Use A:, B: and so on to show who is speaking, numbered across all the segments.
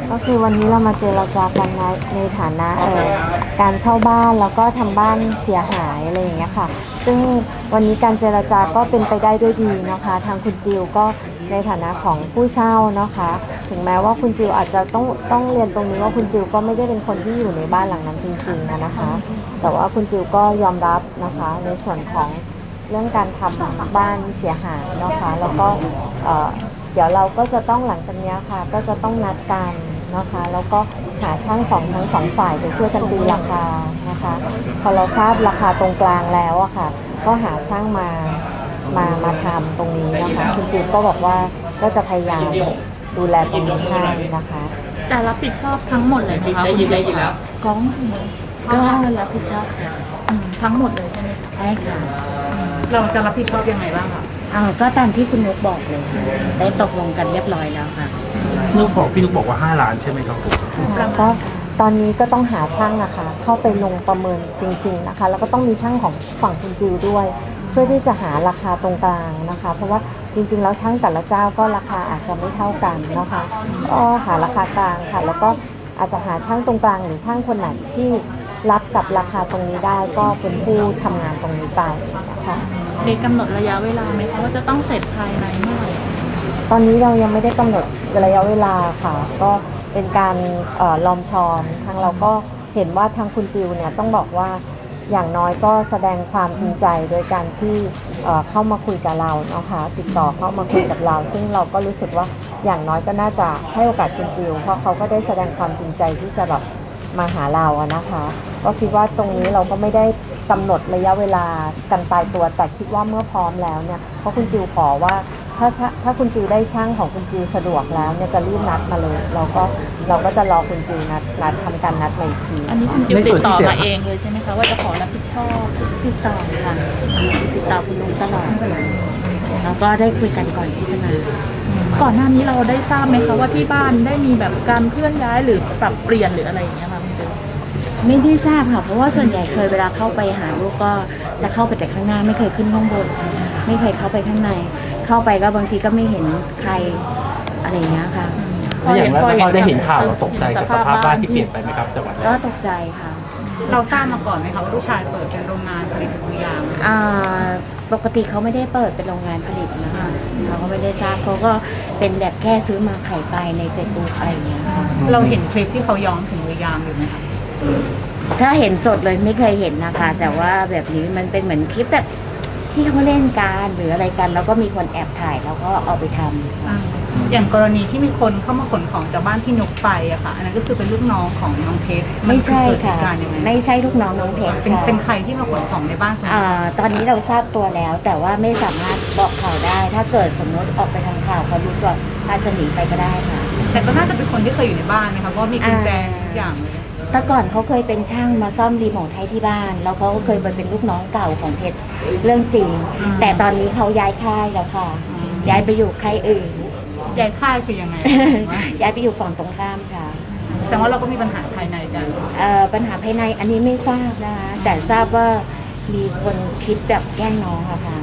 A: ก็คือวันนี้เรามาเจรจากันในฐานะการเช่าบ้านแล้วก็ทำบ้านเสียหายอะไรอย่างเงี้ยค่ะซึ่งวันนี้การเจรจาก็เป็นไปได้ด้วยดีนะคะทางคุณจิวก็ในฐานะของผู้เช่านะคะถึงแม้ว่าคุณจิวอาจจะต้องเรียนตรงนี้ว่าคุณจิวก็ไม่ได้เป็นคนที่อยู่ในบ้านหลังนั้นจริงๆนะคะแต่ว่าคุณจิวก็ยอมรับนะคะในส่วนของเรื่องการทำบ้านเสียหายนะคะแล้วก็เดี๋ยวเราก็จะต้องหลังจากนี้ค่ะก็จะต้องนัดกันนะคะแล้วก็หาช่างของทั้งสองฝ่ายไปช่วยกันตีราคานะคะพอเราทราบราคาตรงกลางแล้วอะค่ะก็หาช่างมาทำตรงนี้นะคะคุณจิ๊บก็บอกว่าก็จะพยายามดูแลตรงนี้ให้นะคะ
B: แต่รับผิดชอบทั้งหมดเลยนะคะคุณจิ๊บแล้วก้อง
C: ก็รับผิดชอบค่ะ
B: ทั้งหมดเลยใช่ไหม
C: ใช่ค่ะ
B: เราจะรับผิดชอบยังไงบ้างคะ
C: ก็ตามที่คุณนุกบอกเลยได้ตกลงกันเรียบร้อยแล้วค่ะ
D: พี่นุกบอกว่า5 ล้านใช่ไหมครับผม
A: ก็ตอนนี้ก็ต้องหาช่างนะคะเข้าไปลงประเมินจริงๆนะคะแล้วก็ต้องมีช่างของฝั่งคุณจิวด้วยเพื่อที่จะหาราคาตรงกลางนะคะเพราะว่าจริงๆแล้วช่างแต่ละเจ้าก็ราคาอาจจะไม่เท่ากันนะคะก็หาราคากลางค่ะแล้วก็อาจจะหาช่างตรงกลางหรือช่างคนไหนที่รับกับราคาตรงนี้ได้ก็เป็นผู้ทำงานตรงนี้ไปค่ะ
B: ได้กำหนดระยะเวลาไหมคะว่าจะต้องเสร็จภายในเมื่อไหร่
A: ตอนนี้เรายังไม่ได้กำหนดระยะเวลาค่ะก็เป็นการลอมชอมทางเราก็เห็นว่าทางคุณจิวเนี่ยต้องบอกว่าอย่างน้อยก็แสดงความจริงใจโดยการที่เข้ามาคุยกับเรานะคะติดต่อเข้ามาคุยกับเราซึ่งเราก็รู้สึกว่าอย่างน้อยก็น่าจะให้โอกาสคุณจิวเพราะเขาก็ได้แสดงความจริงใจที่จะแบบมาหาเราอะนะคะก็คิดว่าตรงนี้เราก็ไม่ได้กำหนดระยะเวลากันตายตัวแต่คิดว่าเมื่อพร้อมแล้วเนี่ยเพราะคุณจิวขอว่าถ้าคุณจิวได้ช่างของคุณจิวสะดวกแล้วเนี่ยจะรีบนัดมาเลยเราก็จะรอคุณจิวนัดทำการนัดมาอีกที
B: อันนี้คุณจิวติดต่อมาเองเลยใช่ไหมคะว่าจะขอรับผิดชอบ
C: ติดต่อค่ะติดต่อคุณลุงตลอดแล้วก็ได้คุยกันก่อนที่จะมา
B: ก่อนหน้านี้เราได้ทราบไหมคะว่าที่บ้านได้มีแบบการเคลื่อนย้ายหรือปรับเปลี่ยนหรืออะไรอย่างเงี้ยค่ะคุณจิว
C: ไม่ได้ทราบค่ะเพราะว่าส่วนใหญ่เคยเวลาเข้าไปหาลูกก็จะเข้าไปแต่ข้างหน้าไม่เคยขึ้นข้างบนไม่เคยเข้าไปข้างในเข้าไปก็บางทีก็ไม่เห็นใครอะไรอย่างเงี้ยค่ะ
D: อย่างแล้วพอได้เห็นข่าวเราตกใจกับสภาพบ้านที่เปลี่ยนไปไหมครับจังหวัด
C: ก็ตกใจค่ะ
B: เราทราบมาก่อนไหมคะว่าลูกชายเปิดเป็นโรงงานผลิตถุงยาง
C: ปกติเขาไม่ได้เปิดเป็นโรงงานผลิตนะคะเขาก็ไม่ได้ทราบเขาก็เป็นแบบแค่ซื้อมาขายไปในเฟซบุ๊กอะไรอย่างเงี้ย
B: เราเห็นคลิปที่เขาย้อมถุงยางอยู่ไหมคะ
C: ถ้าเห็นสดเลยไม่เคยเห็นนะคะแต่ว่าแบบนี้มันเป็นเหมือนคลิปแบบที่เขาเล่นกันหรืออะไรกันแล้วก็มีคนแอบถ่ายแล้วก็เอาไปทำ
B: อย่างกรณีที่มีคนเข้ามาขนของจากบ้านพี่นุกไปอะค่ะอันนั้นก็คือเป็นลูกน้องของน้องเพชร
C: ไม่ใช่ค่ะไม่ใช่ลูกน้องน้องเพชร
B: เป็นใครที่มาขนของในบ้าน
C: ตอนนี้เราทราบตัวแล้วแต่ว่าไม่สามารถบอกข่าวได้ถ้าเกิดสมมติออกไปทางข่าวเขารู้ตัวอาจจะหนีไปก็ได้ค่ะ
B: แต่ก็น่าจะเป็นคนที่เคยอยู่ในบ้านนะคะเพราะมีกุญแจทุกอย่างเลย
C: แต่ก่อนเขาเคยเป็นช่างมาซ่อมรีโมทให้ที่บ้านแล้วเขาก็เคยไปเป็นลูกน้องเก่าของเพชรเรื่องจริงแต่ตอนนี้เขาย้ายค่ายแล้วค่ะย้ายไปอยู่ค่ายอื่น
B: ย้ายค่ายคือยังไง
C: ย้ายไปอยู่ฝั่งตรงข้ามค่ะ
B: แสดงว่าเราก็มีปัญหาภายในจัง
C: ปัญหาภายในอันนี้ไม่ทราบนะคะแต่ทราบว่ามีคนคิดแบบแกล้งน้องค่ะค่ะ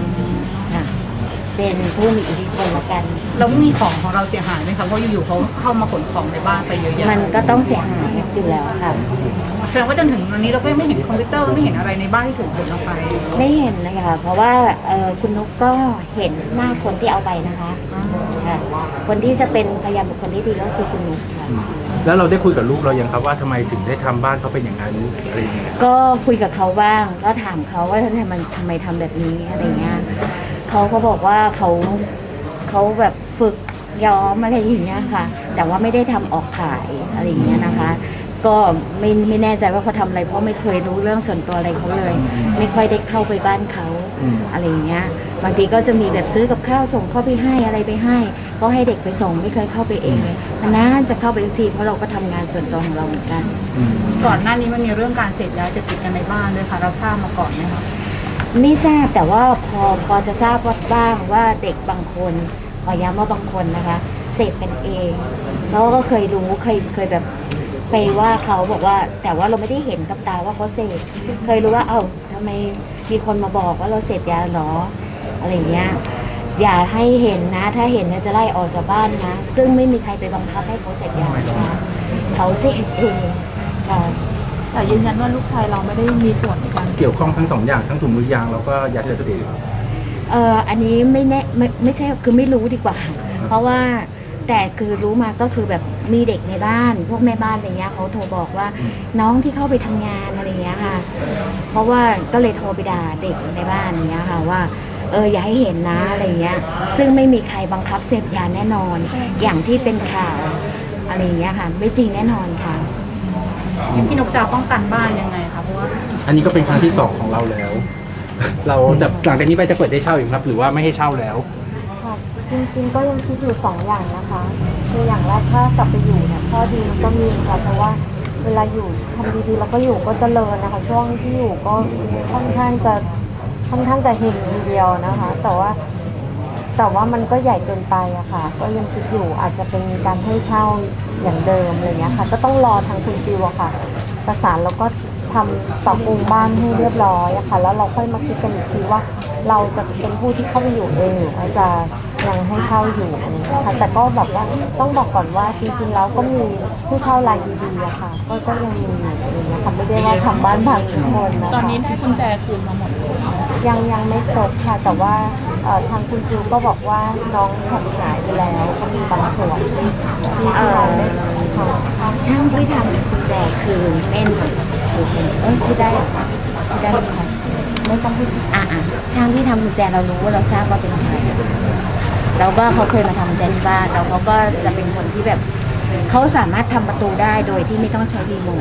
C: เป็นผู้มีอิทธิพลละกัน
B: แล้วมีของเราเสียหายไหมคะเพราะอยู่ๆเขาเข้ามาขนของในบ้านไปเยอะแยะ
C: มันก็ต้องเสียหายอยู่แล้วค่ะ
B: แสดงว่าจนถึงวันนี้เราก็ไม่เห็นคอมพิวเตอร์ไม่เห็นอะไรในบ้านที่ถูกขนออกไป
C: ไม่เห็นเลยค่ะเพราะว่าคุณนุ๊กก็เห็นหน้าคนที่เอาไปนะคะค่ะคนที่จะเป็นพยานบุคคลที่ดีก็คือคุณนุ๊กค่ะ
D: แล้วเราได้คุยกับลูกเรายังครับว่าทำไมถึงได้ทำบ้านเขาเป็นอย่างนั้นอะไรอย่างเงี้ย
C: ก็คุยกับเขาบ้างก็ถามเขาว่าทำไมทำแบบนี้อะไรเงี้ยเขาก็บอกว่าเขาแบบฝึกย้อมอะไรอย่างเงี้ยค่ะแต่ว่าไม่ได้ทำออกขายอะไรอย่างเงี้ยนะคะก็ไม่แน่ใจว่าเขาทำอะไรเพราะไม่เคยรู้เรื่องส่วนตัวอะไรเขาเลยไม่ค่อยได้เข้าไปบ้านเขาอะไรอย่างเงี้ยบางทีก็จะมีแบบซื้อกับข้าวส่งเข้าไปให้อะไรไปให้ก็ให้เด็กไปส่งไม่เคยเข้าไปเองเลยนานจะเข้าไปทุกทีเพราะเราก็ทำงานส่วนตัวของเราเหมือนกัน
B: ก่อนหน้านี้มันมีเรื่องการเสพยาเสพติดกันในบ้านด้วยค่ะเราทราบมาก่อนไหมคะ
C: ไม่ทราบแต่ว่าพอจะทราบว่าบ้างว่าเด็กบางคนขอย้ำว่าบางคนนะคะเสพกันเองแล้วก็เคยรู้เคยแบบไปว่าเขาบอกว่าแต่ว่าเราไม่ได้เห็นกับตาว่าเขาเสพเคยรู้ว่าทำไมมีคนมาบอกว่าเราเสพยาหรออะไรเงี้ยอย่าให้เห็นนะ ถ้าเห็นนะจะไล่ออกจากบ้านนะ ซึ่งไม่มีใครไปบังคับให้เขาเสพยานะคะเขาเสพเองค่ะ
B: แต่ยืนยันว่าลูกชายเราไม่ได้มีส่วนในการ
D: เกี่ยวข้องทั้งสองอย่างทั้งถุงมือยางแล้วก็ยาเสพติด
C: อันนี้ไม่แน่ไม่ใช่คือไม่รู้ดีกว่า เพราะว่าแต่คือรู้มาก็คือแบบมีเด็กในบ้าน พวกแม่บ้านอะไรเงี้ยเขาโทรบอกว่าน้องที่เข้าไปทำงานอะไรเงี้ยค่ะ เพราะว่าก็เลยโทรไปด่าเด็กในบ้านอย่างเงี้ยค่ะว่าอย่าให้เห็นนะอะไรเงี้ย ซึ่งไม่มีใครบังคับเสพยาแน่นอน อย่างที่เป็นข่าวอะไรเงี้ยค่ะ ไม่จริงแน่นอนค่ะ
B: พี่นกจะป้องกันบ้านยังไงคะเพราะว่า
D: อันนี้ก็เป็นครั้งที่สองของเราแล้ว เราจะหลังจากนี้ไปจะเปิดได้เช่าอีกครับ หรือว่าไม่ให้เช่าแล้ว
A: ค่ะจริงๆก็ยังคิดอยู่2อย่างนะคะคืออย่างแรกถ้ากลับไปอยู่เนี่ยข้อดีมันก็มีค่ะเพราะว่าเวลาอยู่ทำดีๆแล้วก็อยู่ก็เจริญนะคะช่วงที่อยู่ก็ค่อนข้างจะเฮงทีเดียวนะคะ แต่ว่ามันก็ใหญ่เกินไปอะค่ะก็ยังคิดอยู่อาจจะเป็นการให้เช่าอย่างเดิมอะไรเงี้ยค่ะก็ต้องรอทางคุณจิวอะค่ะประสานแล้วก็ทำปรับปรุงบ้านให้เรียบร้อยอะค่ะแล้วเราค่อยมาคิดกันอีกทีว่าเราจะเป็นผู้ที่เข้าไปอยู่เองหรือว่าจะยังให้เช่าอยู่อะไรเงี้ยค่ะแต่ก็แบบว่าต้องบอกก่อนว่าจริงๆแล้วก็มีผู้เช่ารายดีๆอะค่ะก็ยังมีอยู่อะไรเงี้ยค่ะไม่ได้ว่าทำบ้านพังทุกคนนะคะ
B: ตอนนี้ได้กุญแจคืนมาหมดเลย
A: ยังไม่ครบค่ะแต่ว่าทางคุณจิวก็บอกว่าน้องแขนหายไปแล้วก็มีบางส่วนที่เราได้ทำ
C: ช่างที่ทำกุญแจคือเม่นคือเป็นที่ได้ค่ะที่ได้ค่ะ
A: ไม่ต้องพูด
C: ช่างที่ทำกุญแจเรารู้ว่าเราทราบว่าเป็นใครแล้วก็เขาเคยมาทำกุญแจที่บ้านแล้วเขาก็จะเป็นคนที่แบบเขาสามารถทำประตูได้โดยที่ไม่ต้องใช้รีโมท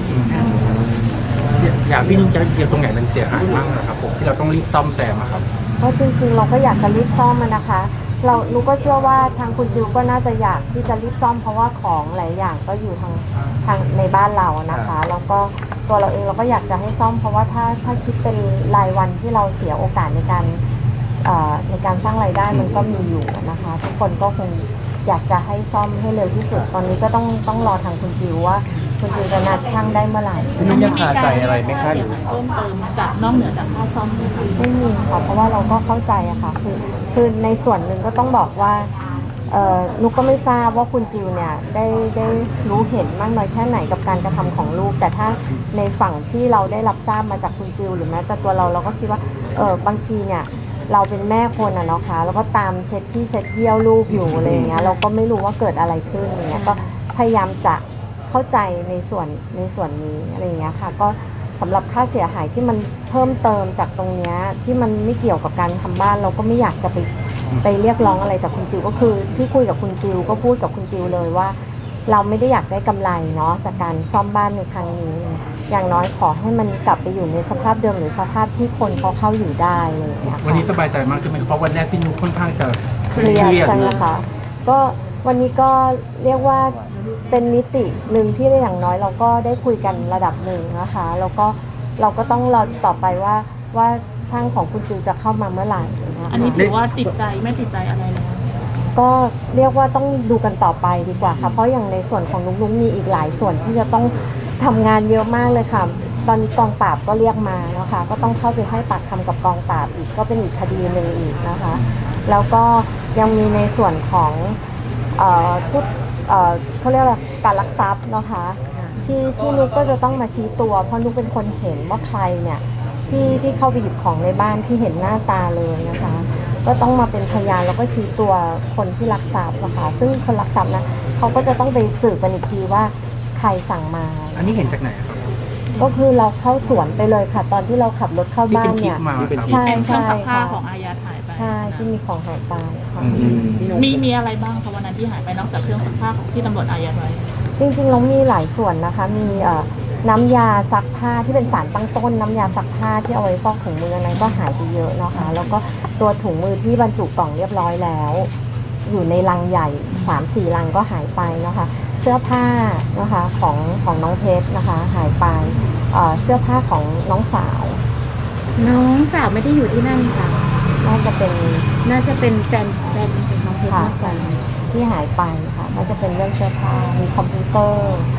D: อยากพี่นุ้งจะเกี่ยวตรงไหนมันเสียหายมากนะครับผมที่เราต้องรีบซ่อมแซมอะครับ
A: เพราะจริงๆเราก็อยากจะรีบซ่อมมันนะคะหนูก็เชื่อว่าทางคุณจิวก็น่าจะอยากที่จะรีบซ่อมเพราะว่าของหลายอย่างก็อยู่ทางในบ้านเรานะคะแล้วก็ตัวเราเองเราก็อยากจะให้ซ่อมเพราะว่าถ้าคิดเป็นรายวันที่เราเสียโอกาสในการสร้างรายได้มันก็มีอยู่นะคะ ทุกคนก็คงอยากจะให้ซ่อมให้เร็วที่สุดตอนนี้ก็ต้องรอทางคุณจิวว่าคุณจิวจะนัดช่างได้เมื่อไหร่
E: พี่นุ้ยยังคาใจอะไรไหมคะหรือ
B: เพิ่มเติมจากนอกเหนือจากค่าซ่อมไหมคะ
A: ไม่มีค่ะเพราะว่าเราก็เข้าใจอะค่ะคือในส่วนหนึ่งก็ต้องบอกว่านุกก็ไม่ทราบว่าคุณจิวเนี่ยได้รู้เห็นมากน้อยแค่ไหนกับการกระทำของลูกแต่ถ้าในฝั่งที่เราได้รับทราบมาจากคุณจิวหรือแม้แต่ตัวเราก็คิดว่าบางทีเนี่ยเราเป็นแม่คนอะเนาะค่ะแล้วก็ตามเช็ดที่เช็ดเยี่ยวลูกอยู่อะไรอย่างเงี้ยเราก็ไม่รู้ว่าเกิดอะไรขึ้นอย่างเงี้ยก็พยายามจะเข้าใจในส่วนนี้อะไรอย่างเงี้ยค่ะก็สำหรับค่าเสียหายที่มันเพิ่มเติมจากตรงเนี้ยที่มันไม่เกี่ยวกับการทำบ้านเราก็ไม่อยากจะไปเรียกร้องอะไรจากคุณจิวก็คือที่คุยกับคุณจิวก็พูดกับคุณจิวเลยว่า เราไม่ได้อยากได้กำไรเนาะจากการซ่อมบ้านในครั้งนี้อย่างน้อยขอให้มันกลับไปอยู่ในสภาพเดิมหรือสภาพที่คนเขาเข้าอยู่ได้เลยางเลยค่ะ
D: วันนี้สบายใจมากขึ้นไหมครับเพราะวันแรกพี่นุ้งค่อนข้างจะ
A: เครียดใช่ไหมคะก็วันนี้ก็เรียกว่าเป็นมิติหนึ่งที่อย่างน้อยเราก็ได้คุยกันระดับหนึ่งนะคะแล้วก็เราก็ต้องรอต่อไปว่าช่างของคุณจิวจะเข้ามาเมื่อไหร่นะคะ
B: อันนี้ถือว่าติดใจไม่ติดใจอะไรแล้ว
A: ก็เรียกว่าต้องดูกันต่อไปดีกว่าค่ะเพราะอย่างในส่วนของนุ้งมีอีกหลายส่วนที่จะต้องทำงานเยอะมากเลยค่ะตอนนี้กองปราบก็เรียกมานะคะก็ต้องเข้าไปให้ปากคำกับกองปราบอีกก็เป็นอีกคดีหนึ่งอีกนะคะแล้วก็ยังมีในส่วนของผู้เขาเรียกอะไรการลักทรัพย์นะคะที่นุกก็จะต้องมาชี้ตัวเพราะนุกเป็นคนเห็นว่าใครเนี่ยที่เข้าไปหยิบของในบ้านที่เห็นหน้าตาเลยนะคะก็ต้องมาเป็นพยานแล้วก็ชี้ตัวคนที่ลักทรัพย์นะคะซึ่งคนลักทรัพย์นะเขาก็จะต้องไปสืบกันอีกทีว่าใครสั่งมา
D: อันนี้เห็นจากไหนครับ
A: ก็คือเราเข้าสวนไปเลยค่ะ ตอนที่เราขับรถเข้า
D: ที่
A: บ้า
D: เป็น นคลิ
A: เนี่
D: ป
A: ย
D: มาครับ
A: ใช่
B: เป็นเครื่องซักผ้า
A: ค่ะ
B: ของอายัดหายไป
A: ใช่ที่มีของหายไปค่ะ
B: มีอะไรบ้างคะวันนั้นที่หายไปนอกจากเครื่องซักผ้าของที่ตำรวจอายัดไว้
A: จริงๆเรามีหลายส่วนนะคะมีน้ำยาซักผ้าที่เป็นสารตั้งต้นน้ำยาซักผ้าที่เอาไว้ฟอกถุงมือนั้นก็หายไปเยอะนะคะแล้วก็ตัวถุงมือที่บรรจุกล่องเรียบร้อยแล้ว อยู่ในลังใหญ่ 3-4 ลังก็หายไปนะคะเสื้อผ้านะคะของน้องเพชรนะคะหายไปเสื้อผ้าของน้องสาว
C: น้องสาวไม่ได้อยู่ที่นั่นค่ะ
A: น่าจะเป็น
C: น่าจะเป็นแฟนเป็นน้องเพชร
A: ค่ะ
C: มากกว่า
A: ที่หายไปค่ะก็จะเป็นเรื่องเสื้อผ้ามีคอมพิวเตอร์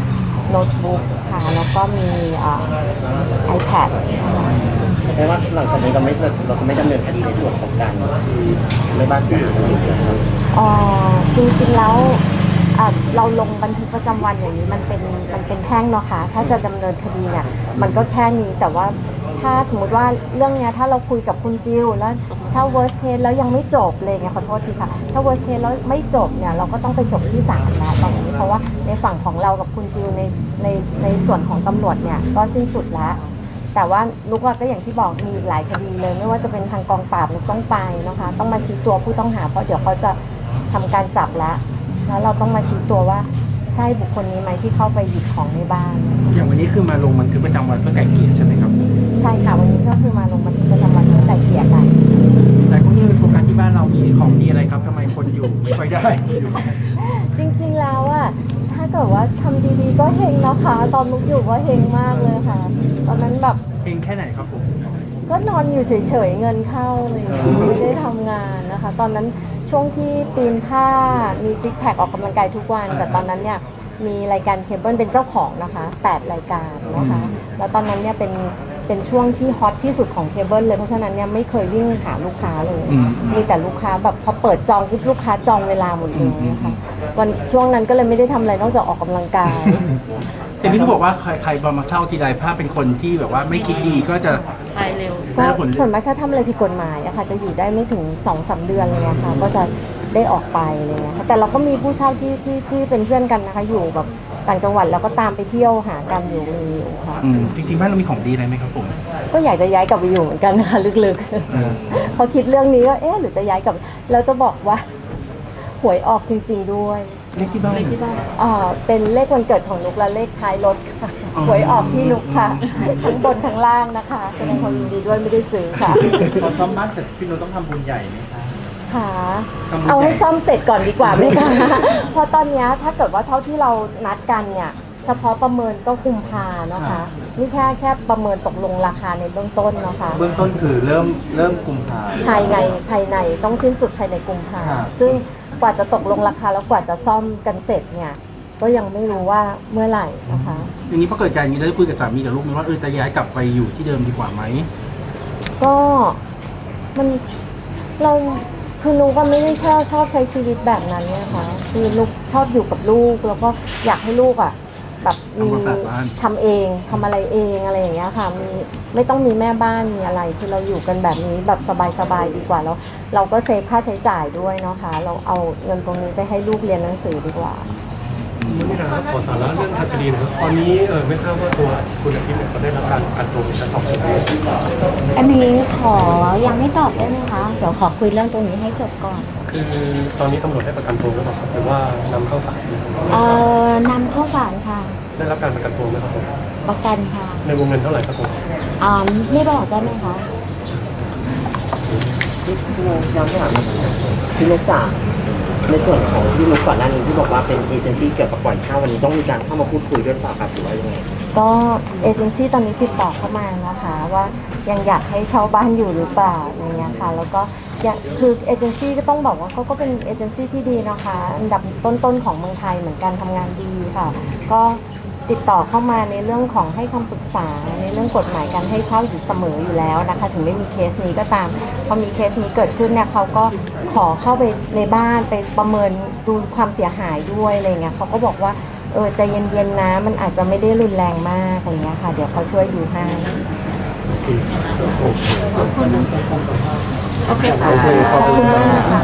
A: โน้ตบุ๊กค่ะแล้วก็มีiPad นะคะ
E: แปลว่าหลังจากนี้เราจะไม่ดำเนินคดีในส่วนของการไม่บ้านเสียหายอยู่นะครับ
A: จริงๆแล้วเราลงบันทึกประจำวันอย่างนี้มันเป็นแพ่งเนาะค่ะถ้าจะดำเนินคดีเนี่ยมันก็แค่นี้แต่ว่าถ้าสมมติว่าเรื่องเนี้ยถ้าเราคุยกับคุณจิวแล้วถ้า worst case แล้วยังไม่จบเลยเนี่ยขอโทษทีค่ะถ้า worst case แล้วไม่จบเนี่ยเราก็ต้องไปจบที่ศาลแล้วตอนนี้เพราะว่าในฝั่งของเรากับคุณจิวในส่วนของตำรวจเนี่ยก็สิ้นสุดแล้วแต่ว่าลูกว่าก็อย่างที่บอกมีหลายคดีเลยไม่ว่าจะเป็นทางกองปราบลูกต้องไปนะคะต้องมาชี้ตัวผู้ต้องหาเพราะเดี๋ยวเขาจะทำการจับแล้วเราต้องมาชี้ตัวว่าใช่บุคคลนี้ไหมที่เข้าไปหยิบของในบ้าน
D: อย่างวันนี้คือมาลงบันทึกประจำวันเพื่อไกล่เกลี่ยใช่ไหมครับ
A: ใช่ค่ะวันนี้ก็คือมาลงบันทึกประจำวันเพื่อไกล่เกลี่ยกัน
D: แต่ก็ยังโฟกัสที่บ้านเรามีของดีอะไรครับทำไมคนอยู่ไม่ค่อยได้อยู่
A: จริงๆแล้วอะถ้าเกิดว่าทำดีๆก็เฮงนะคะ ตอนลูกอยู่ก็เฮงมากเลยค่ะ ตอนนั้นแบบ
D: เองแค่ไหนครับผม
A: ก็นอนอยู่เฉยๆเงินเข้าเลยไม่ได้ทำงานนะคะ ตอนนั้นช่วงที่ปีนผ้ามีซิกแพคออกกำลังกายทุกวัน แต่ตอนนั้นเนี่ยมีรายการเคเบิลเป็นเจ้าของนะคะ8รายการนะคะแล้วตอนนั้นเนี่ยเป็นช่วงที่ฮอตที่สุดของเคเบิลเลยเพราะฉะนั้นเนี่ยไม่เคยวิ่งหาลูกค้าเลยมีแต่ลูกค้าแบบพอเปิดจองปุ๊บลูกค้าจองเวลาหมดเลยนะคะวันช่วงนั้นก็เลยไม่ได้ทำอะไรนอกจากออกกำลังกาย
D: เห็นพี่เขาบอกว่าใครมาเช่าทีไรถ้าเป็นคนที่แบบว่าไม่คิดดีก็จะ
B: ไปเร็ว
A: ก็ส่วนมากถ้าทำอะไรผิดกฎหมายอะค่ะจะอยู่ได้ไม่ถึง 2-3 เดือนเลยอะค่ะก็จะได้ออกไปอะไรเงี้ยค่ะแต่เราก็มีผู้เช่าที่เป็นเพื่อนกันนะคะอยู่แบบต่างจังหวัดแล้วก็ตามไปเที่ยวหากันอยู่ค่ะ
D: จริงๆบ้านเรามีของดีอะไรไหมครับผม
A: ก็อยากจะย้ายกลับไปอยู่เหมือนกันนะคะลึกๆพอคิดเรื่องนี้ก็หรือจะย้ายกลับแล้วจะบอกว่าหวยออกจริงๆด้วย
D: เลขที่บ้าน
A: เป็นเลขวันเกิดของนุกและเลขท้ายรถค่ะหวยออกที่นุกค่ะทั้งบนทั้งล่างนะคะแสดงความยินดีด้วยไม่ได้ซื้อค่ะ
E: พอซ่อมบ้านเสร็จพี่นุ้ต้องทำบุญใหญ่ไหมคะ
A: ค่ะเอาให้ซ่อมเสร็จก่อนดีกว่าไหมคะเพราะตอนเนี้ยถ้าเกิดว่าเท่าที่เรานัดกันเนี่ยเฉพาะประเมินก็กุมภาเนาะคะนี่แค่ประเมินตกลงราคาในเบื้องต้นเนาะคะ
E: เบื้องต้นคือเริ่มกุมภา
A: ภายในต้องสิ้นสุดภายในกุมภา
E: ครับ
A: ซึ่งกว่าจะตกลงราคาแล้วกว่าจะซ่อมกันเสร็จเนี่ยก็ยังไม่รู้ว่าเมื่อไหร่นะคะ
D: อย่างนี้พอเกิดการอย่างนี้ได้คุยกับสามีกับลูกไหมว่าจะย้ายกลับไปอยู่ที่เดิมดีกว่าไหม
A: ก็มันเราคือนุกก็ไม่ได้ชอบใช้ชีวิตแบบนั้นเนี่ยค่ะคือนุกชอบอยู่กับลูกแล้วก็อยากให้ลูกอ่ะแบบมีทำเองทำอะไรเองอะไรอย่างเงี้ยค่ะมีไม่ต้องมีแม่บ้านมีอะไรคือเราอยู่กันแบบนี้แบบสบายๆดีกว่าแล้วเราก็เซฟค่าใช้จ่ายด้วยเนาะค่ะเราเอาเงินตรงนี้ไปให้ลูกเรียนหนังสือดีกว่า
F: นี่นะครับขอสาระเรื่องทางคดีนะครับตอนนี้ไม่ทราบว่าตัวคุณอาทิตย์เนี่ยเขาได้รับการประกันตัวเป็นการตอบสนอง
C: อันนี้ขอยังไม่ตอบได้ไหมคะ เดี๋ยวขอคุยเรื่องตรงนี้ให้จบก่อน
F: คือตอนนี้ตำรวจให้ประกันตัวหรือเปล่าครับหรือว่านำเข้าศาล
C: นำเข้าสารค่ะ
F: ได้รับการประกันตัวไหมครับผม
C: ประกันค่ะ
F: ในวงเงินเท่าไหร่ครับผม
C: ไม่บอกได้ไหมคะ
E: พี่นุ้ย้อนไปถามพี่นุ้จ๋าในส่วนของพี่นุ้ก่อนหน้านี้ที่บอกว่าเป็นเอเจนซี่เกี่ยวกับปล่อยเช่าวันนี้ต้องมีการเข้ามาพูดคุยด้วยหรือเปล่าครับหรือว่ายังไง
A: ก็เอเจนซี่ตอนนี้ติดต่อเข้ามานะคะว่ายังอยากให้เช่าบ้านอยู่หรือเปล่าอย่างเงี้ยค่ะแล้วก็คือเอเจนซี่ก็ต้องบอกว่าเขาก็เป็นเอเจนซี่ที่ดีนะคะอันดับต้นๆของเมืองไทยเหมือนกันทำงานดีค่ะก็ติดต่อเข้ามาในเรื่องของให้คำปรึกษาในเรื่องกฎหมายการให้เช่าอยู่เสมออยู่แล้วนะคะถึงไม่มีเคสนี้ก็ตามพอมีเคสนี้เกิดขึ้นเนี่ยเขาก็ขอเข้าไปในบ้านไปประเมินดูความเสียหายด้วยอะไรเงี้ยเขาก็บอกว่าใจเย็นๆนะมันอาจจะไม่ได้รุนแรงมากอะไรเงี้ยค่ะเดี๋ยวเขาช่วยดูให้
B: โอเคค่ะ
A: ขอบคุณมากค่ะ